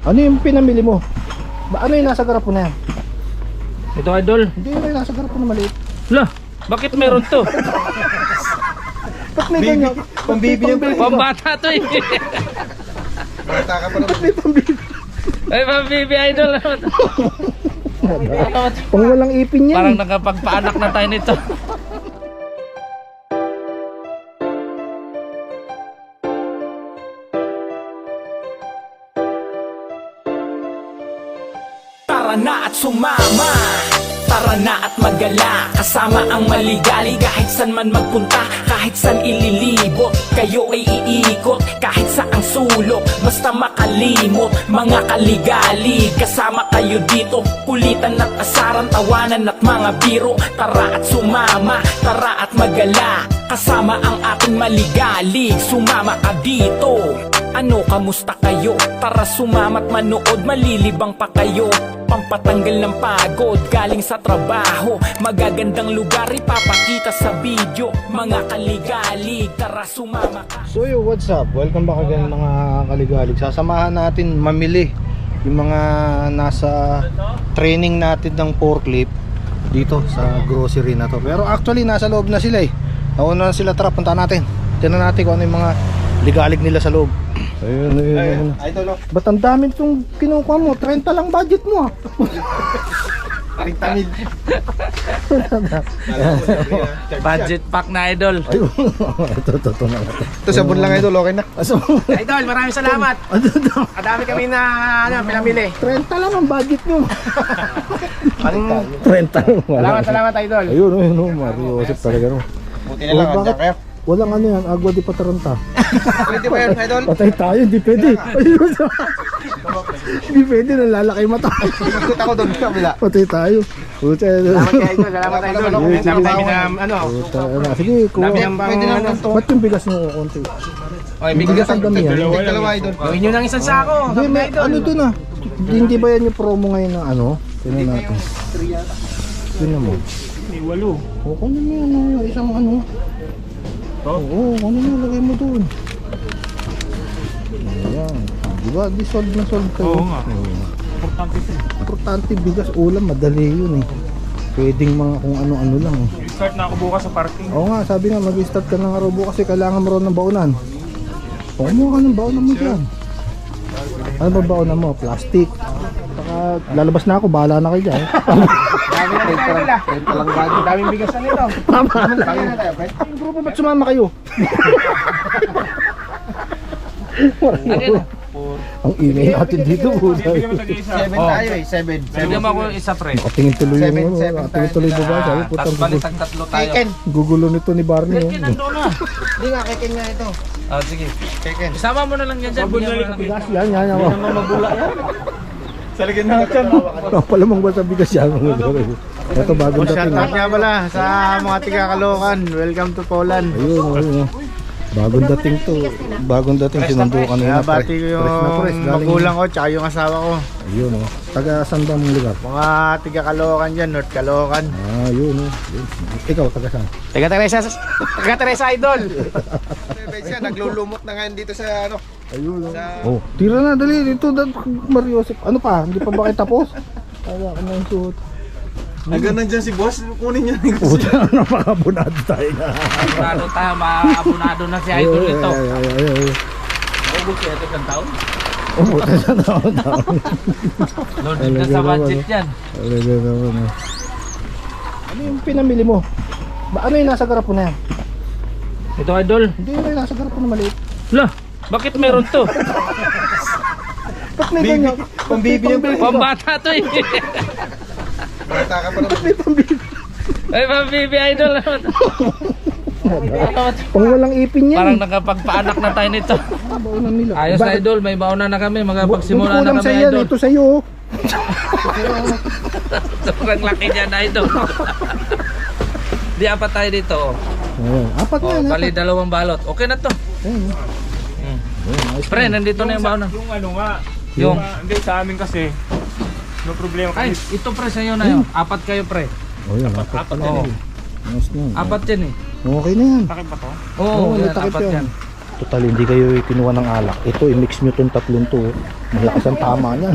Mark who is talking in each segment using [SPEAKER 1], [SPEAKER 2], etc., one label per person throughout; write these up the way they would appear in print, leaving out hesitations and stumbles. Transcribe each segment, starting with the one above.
[SPEAKER 1] Ano yung pinamili mo? Ano yung nasa garapon na yan?
[SPEAKER 2] Ito idol.
[SPEAKER 1] Hindi yung nasa garapon na maliit.
[SPEAKER 2] Lah, bakit meron to?
[SPEAKER 1] Ba't may ganyan?
[SPEAKER 3] Pambibi yung
[SPEAKER 2] Pambata to eh.
[SPEAKER 3] Bata ka pa
[SPEAKER 1] Ba't may pambibi?
[SPEAKER 2] Ay, pambibi idol.
[SPEAKER 1] Pang walang ipin yan.
[SPEAKER 2] Parang nakapagpaanak na tayo nito.
[SPEAKER 4] Tara na at sumama, tara na at magala, kasama ang maligali. Kahit san man magpunta, kahit san ililibot, kayo ay iikot, kahit saang sulok, basta makalimot. Mga kaligali, kasama kayo dito, kulitan at asaran, tawanan at mga biro. Tara at sumama, tara at magala, kasama ang ating maligali. Sumama ka dito. Ano, kamusta kayo? Tara sumama't manood, malilibang pa kayo. Pampatanggal ng pagod, galing sa trabaho. Magagandang lugar, ipapakita sa video. Mga kaligalig, tara sumama ka.
[SPEAKER 1] So yo, what's up? Welcome back again mga kaligalig. Sasamahan natin mamili yung mga nasa training natin ng forklift dito sa grocery na to. Pero actually nasa loob na sila eh. Nauna na sila, tara punta natin. Tingnan natin kung ano yung mga ligalig nila sa loob. Ayun, ayun.
[SPEAKER 3] Idol, no?
[SPEAKER 1] Ba't ang dami itong kinukuha mo? 30 lang budget mo ah.
[SPEAKER 3] 30 mil.
[SPEAKER 2] Budget pack na idol.
[SPEAKER 1] Ayun. Ito na.
[SPEAKER 3] Ito sabon lang idol, okay na.
[SPEAKER 1] Aso,
[SPEAKER 5] Idol, maraming salamat.
[SPEAKER 1] ano daw?
[SPEAKER 5] Kadami kami na pinamili.
[SPEAKER 1] 30 lang ang budget nyo. 30 lang.
[SPEAKER 5] Salamat Idol.
[SPEAKER 1] Ayun, ayun, Mario Joseph talaga no.
[SPEAKER 3] Buti na lang,
[SPEAKER 1] Oh, bakit?
[SPEAKER 3] andyan kayo.
[SPEAKER 1] Walang ano yan, agwa di pataranta.
[SPEAKER 3] Pwede ba yun, idol?
[SPEAKER 1] Patay tayo, hindi pwede. Ayun. Hindi pwede, nalalaki mata.
[SPEAKER 3] Ikot ako doon sa kabila.
[SPEAKER 1] Patay tayo. Puta,
[SPEAKER 5] Salamat kay Idol, salamat Idol. Ang dami namin na
[SPEAKER 1] puta, ano. Sige, kuha.
[SPEAKER 5] Dami ang
[SPEAKER 3] Pwede na lang to.
[SPEAKER 1] Ba't yung bigas nyo konti?
[SPEAKER 5] Oy,
[SPEAKER 1] Bigas ang dami yan.
[SPEAKER 3] Dalawa idol.
[SPEAKER 5] Gawin nyo ng isang sako.
[SPEAKER 1] Hindi, may, ano dun ah. Hindi ba yan yung promo ngayon ng ano? Tingnan natin. Tingnan mo.
[SPEAKER 2] May 8.
[SPEAKER 1] O, kunin mo yan, yung isang ano. Oo, kunin mo, lagay mo dun. Ayan. Diba, di solve na solve kayo.
[SPEAKER 2] Oo nga. Importante ito.
[SPEAKER 1] Importante, bigas, ulam, madali yun eh. Pwedeng mga kung ano-ano lang.
[SPEAKER 2] Start na ako bukas sa parking.
[SPEAKER 1] Oo nga, sabi nga, mag-start ka ng araw bukas kasi kailangan mo rin ng baunan. O, kumuha ka ng baunan mo dyan. Ano ba baunan mo? Plastic. Saka, lalabas na ako, bahala na kayo dyan.
[SPEAKER 5] Dami na ito Idol ah. Daming bigas na nito.
[SPEAKER 1] Yung grupo, ba't sumama kayo? Ang ingay natin dito po.
[SPEAKER 3] 7 tayo eh, 7.
[SPEAKER 2] Bigyan mo ako isa pre.
[SPEAKER 1] Nakatingin tuloy yung
[SPEAKER 3] Seven,
[SPEAKER 1] ano,
[SPEAKER 3] seven
[SPEAKER 1] nakatingin
[SPEAKER 3] tayo.
[SPEAKER 1] tuloy yung babae. Sabi, putang
[SPEAKER 2] Balitang tatlo tayo.
[SPEAKER 3] Keken.
[SPEAKER 1] gugulo nito ni Barney. Oh.
[SPEAKER 2] Nandoon na.
[SPEAKER 3] Hindi nga, keken nga ito.
[SPEAKER 2] Ah, sige.
[SPEAKER 3] Keken.
[SPEAKER 2] Isama mo na lang yan dyan. Bigyan mo na lang.
[SPEAKER 1] Bigas yan, yan. Yan,
[SPEAKER 3] Sa ligid na dyan.
[SPEAKER 1] palamang ba sa bigas yan? Ito bagong dating.
[SPEAKER 5] Shoutout nga pala sa mga tiga Caloocan. Welcome to Poland.
[SPEAKER 1] Ayun, ayun. Bagong dating to. Bagong dating sinundo kanina.
[SPEAKER 5] Bati ko yung magulang ko tsaka yung asawa ko.
[SPEAKER 1] Ayun oh. Taga saan ba mong lugar?
[SPEAKER 5] Mga tiga Caloocan dyan, North Caloocan.
[SPEAKER 1] Ah, yun oh. Yun. Ikaw, taga saan?
[SPEAKER 5] Taga Teresa Idol.
[SPEAKER 3] Siya, naglulumot na ngayon dito sa ano.
[SPEAKER 1] Ayun oh. Oh, tira na, dali. Dito, Mario Joseph. Ano pa? Hindi pa ba kayo tapos? Kaya ka na yung suot.
[SPEAKER 3] Hanggang nandyan si boss, kunin niya.
[SPEAKER 1] Puta, napakabunado tayo na.
[SPEAKER 2] Abunado tayo. Maabunado na si idol nito.
[SPEAKER 1] Ay.
[SPEAKER 2] Ubus siya ito ng taon.
[SPEAKER 1] Oh, puta sa taon.
[SPEAKER 2] Loaded na sa budget yan.
[SPEAKER 1] Ano yung pinamili mo? Ano yung nasa garapon na yan?
[SPEAKER 2] Ito idol.
[SPEAKER 1] Hindi yung nasa garapon na maliit.
[SPEAKER 2] Lah, bakit meron to?
[SPEAKER 1] Ba't may ganyan?
[SPEAKER 3] Pambibi yung
[SPEAKER 2] Pambata to eh.
[SPEAKER 3] Bata ka pa naman.
[SPEAKER 1] May pambibi.
[SPEAKER 2] Ay, pambibi idol.
[SPEAKER 1] Pang walang ipin yan.
[SPEAKER 2] Parang nakapagpaanak na tayo nito.
[SPEAKER 1] Baunan nila.
[SPEAKER 2] Ayos na idol, may bauna na kami. Magpagsimula na
[SPEAKER 1] Kulang
[SPEAKER 2] kami
[SPEAKER 1] sa yan,
[SPEAKER 2] idol.
[SPEAKER 1] ito sa iyo.
[SPEAKER 2] Sobrang laki niya na idol. Di apat tayo dito.
[SPEAKER 1] Ayan, apat na
[SPEAKER 2] Oh,
[SPEAKER 1] yan.
[SPEAKER 2] bali dalawang balot. Okay na to.
[SPEAKER 1] Ayun.
[SPEAKER 2] Pre, nandito na yung bauna.
[SPEAKER 6] Yung ano nga,
[SPEAKER 2] Yung
[SPEAKER 6] hindi sa amin kasi, no problema
[SPEAKER 2] ay,
[SPEAKER 6] kasi.
[SPEAKER 2] ito pre sa iyo na yun. Apat kayo pre.
[SPEAKER 1] Oh, yan, apat
[SPEAKER 2] Apat
[SPEAKER 1] na
[SPEAKER 2] yan
[SPEAKER 1] yan.
[SPEAKER 2] eh.
[SPEAKER 1] Ayos na yan.
[SPEAKER 2] Apat yan eh.
[SPEAKER 1] Okay na yan.
[SPEAKER 6] Takip ba to?
[SPEAKER 2] Oo,
[SPEAKER 1] Oo, may
[SPEAKER 2] yan,
[SPEAKER 1] takip
[SPEAKER 2] apat
[SPEAKER 1] yan.
[SPEAKER 2] yan.
[SPEAKER 1] Total, hindi kayo kinuha ng alak. Ito, i-mix nyo itong tatlong to. Malakas ang tama niyan.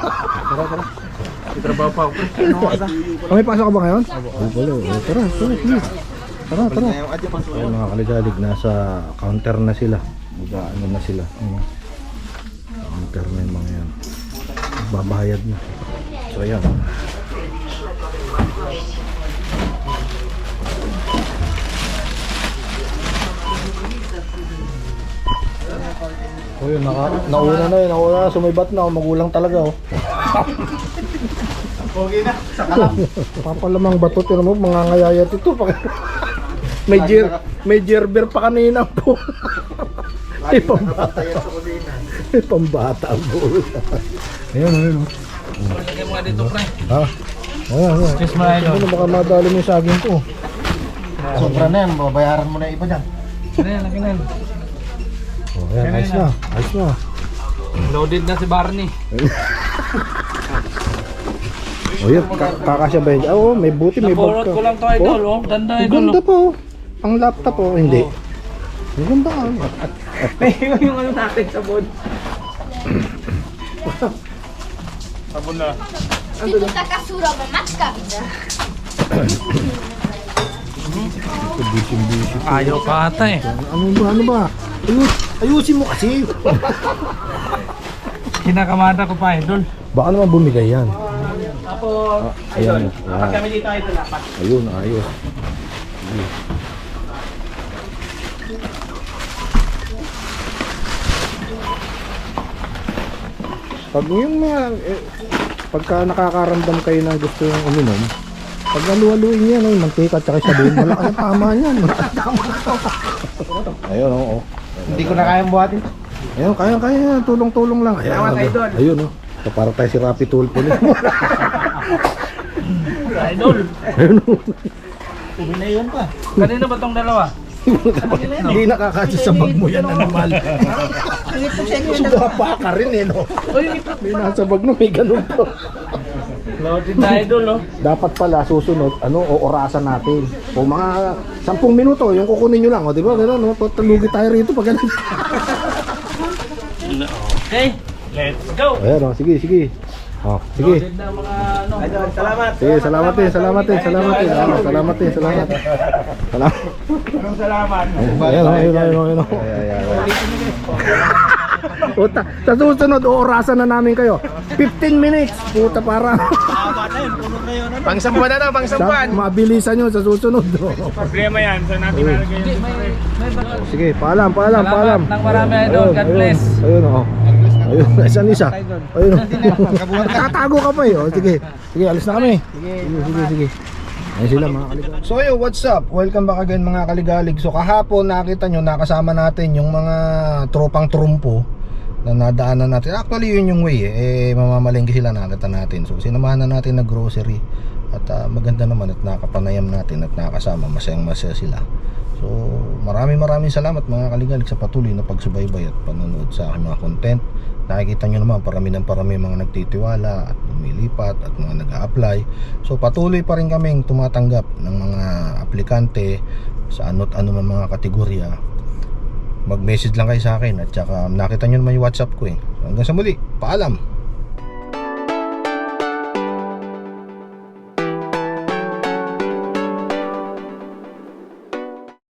[SPEAKER 6] Trabaho pa ako.
[SPEAKER 1] May pasok ka ba ngayon? Oo pala. Tara, please. Tara. Ayun mga kaligalig, nasa counter na sila. Ano na sila. Counter na yung mga yan. Babahayad na. So ayan. Yun, nauna na, sumibat na, magulang talaga oh.
[SPEAKER 3] Pogi na, sa kalap.
[SPEAKER 1] Papalamang bato, tira mo, mga ngayayat ito. May gerber pa kanina po. May pambata. May pambata ang buo. Ayun.
[SPEAKER 2] Lagay mo nga dito, pre.
[SPEAKER 1] Ha? Ayan.
[SPEAKER 6] Kiss mo na idol.
[SPEAKER 1] Ano, baka madali mo yung saging ko.
[SPEAKER 3] Sobra na yan, babayaran mo na yung iba dyan.
[SPEAKER 2] Lagay na.
[SPEAKER 1] Oh, ayan, ayos na.
[SPEAKER 2] Loaded na si Barney.
[SPEAKER 1] O yun, kakasya ba yun? Oo, may buti, may
[SPEAKER 2] Napurot
[SPEAKER 1] vodka.
[SPEAKER 2] ko lang to idol, oh. Ganda
[SPEAKER 1] Ang
[SPEAKER 2] idol,
[SPEAKER 1] ganda
[SPEAKER 2] oh.
[SPEAKER 1] pa oh. Ang laptop oh, hindi. Ang ganda ka.
[SPEAKER 2] Yung ano natin sa board.
[SPEAKER 6] Sabon na.
[SPEAKER 7] Taka suraba matka bisa.
[SPEAKER 1] Busy.
[SPEAKER 2] Ayaw pa ata eh.
[SPEAKER 1] Ano ba? Ayusin mo kasi.
[SPEAKER 2] Kinakamada ko pa idol.
[SPEAKER 1] Baka naman bumigay yan.
[SPEAKER 2] Apo.
[SPEAKER 1] Ayan.
[SPEAKER 2] Kapag kami dito idol, dapat.
[SPEAKER 1] Ayun, ayos. Pag yung mga, pagka nakakaramdam kayo na gusto yung uminom, pag naluwaluin niya, no, mantika at saka sabon, malakas ang tama niyan. Ayun, oo.
[SPEAKER 3] Hindi ko na kayang buhatin.
[SPEAKER 1] Ayun, kaya, tulong-tulong lang. Ayun, no. So, para tayo si Rapi Tulpo ulit.
[SPEAKER 2] Idol.
[SPEAKER 1] Ayun, no.
[SPEAKER 3] Uminayon pa.
[SPEAKER 2] Kanina ba tong dalawa?
[SPEAKER 1] Hindi nakakasya sa bag mo yan, animal. Sugapa ka rin eh, no? May nasa bag no, may ganun to.
[SPEAKER 2] Loaded na idol, oh.
[SPEAKER 1] Dapat pala susunod, orasan natin. O mga 10 minuto, yung kukunin nyo lang, o di ba? Gano'n, no? Talugi tayo rito pag ganun.
[SPEAKER 2] Okay, let's go.
[SPEAKER 1] Ayan, o, sige. O, sige.
[SPEAKER 2] Loaded na mga ano.
[SPEAKER 3] Idol, salamat.
[SPEAKER 1] Sige, salamat din. Salamat.
[SPEAKER 6] Anong salamat?
[SPEAKER 1] Ayun. Puta, sa susunod, orasan na namin kayo. 15 minutes, puta para.
[SPEAKER 3] Pangsampan na, pangsampan.
[SPEAKER 1] Mabilisan nyo sa susunod.
[SPEAKER 6] Problema yan. Saan natin nalagay
[SPEAKER 2] Hindi,
[SPEAKER 6] yan?
[SPEAKER 2] may bato.
[SPEAKER 1] Sige, paalam.
[SPEAKER 2] Salamat ng marami, idol. God bless.
[SPEAKER 1] Ayun, o. Ayun, isa. Ayun. Nakatago ka pa eh. O, sige, alis na kami. Sige. Ayun sila mga kaligalig. So yo, what's up? Welcome back again mga kaligalig. So kahapon nakita nyo, nakasama natin yung mga tropang trumpo na nadaanan natin. Actually yun yung way mamamalengke sila, nakita natin. So sinamahan na natin na grocery. At maganda naman at nakapanayam natin at nakasama, masayang-masaya sila. So maraming salamat mga kaligalig sa patuloy na pagsubaybay at panonood sa aking mga content. Nakikita nyo naman parami mga nagtitiwala at lumilipat at mga nag-a-apply. So patuloy pa rin kaming tumatanggap ng mga aplikante sa ano't ano man mga kategorya. Mag-message lang kayo sa akin at saka nakita nyo naman yung WhatsApp ko eh. So, hanggang sa muli, paalam.